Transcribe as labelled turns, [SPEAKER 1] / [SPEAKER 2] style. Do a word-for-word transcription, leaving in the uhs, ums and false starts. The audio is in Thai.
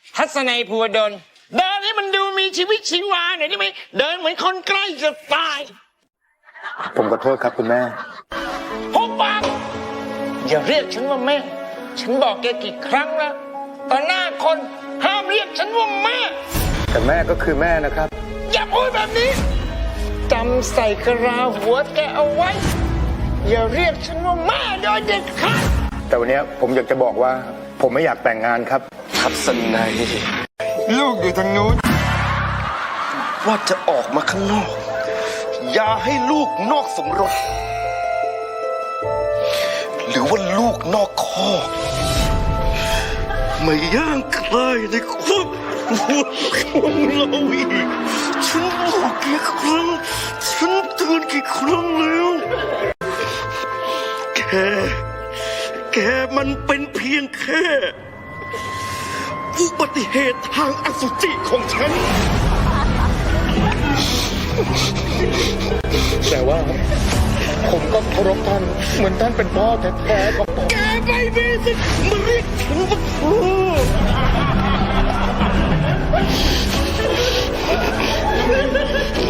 [SPEAKER 1] ทัศนัยภูวดลเดินให้มันดูมีชีวิตชีวาหน่อยได้ไหมเดินเหมือนคนใกล้จะตาย
[SPEAKER 2] ผมขอโทษครับคุณแม่
[SPEAKER 1] หุบปากอย่าเรียกฉันว่าแม่ฉันบอกแกกี่ครั้งแล้วต่อหน้าคนห้ามเรียกฉันว่าแม่
[SPEAKER 2] แต่แม่ก็คือแม่นะครับ
[SPEAKER 1] อย่าพูดแบบนี้จำใส่กระลาหัวแกเอาไว้อย่าเรียกฉันว่าแม่โดยเด็ดขาด
[SPEAKER 2] แต่วันนี้ผมอยากจะบอกว่า ผมไม่อยากแต่งงานครับ
[SPEAKER 3] ทัศนัย
[SPEAKER 1] ลูกอยู่ทางนู้น
[SPEAKER 3] ว่าจะออกมาข้างนอก อย่าให้ลูกนอกสมรส หรือว่าลูกนอกคอกมาย่างใครในครอบครัวของเราอีกฉันบอกกี่ครั้งฉันเตือนกี่ครั้งแล้วแกแกมันเป็นเพียงแค่อุบัติเหตุทางอสุจิของฉัน
[SPEAKER 2] แต่ว่าผมก็เคารพท่านเหมือนท่านเป็นพ่อแท้ๆของผม
[SPEAKER 3] แกไม่มีสิทธิ์มาเรียกฉันว่าพ่อ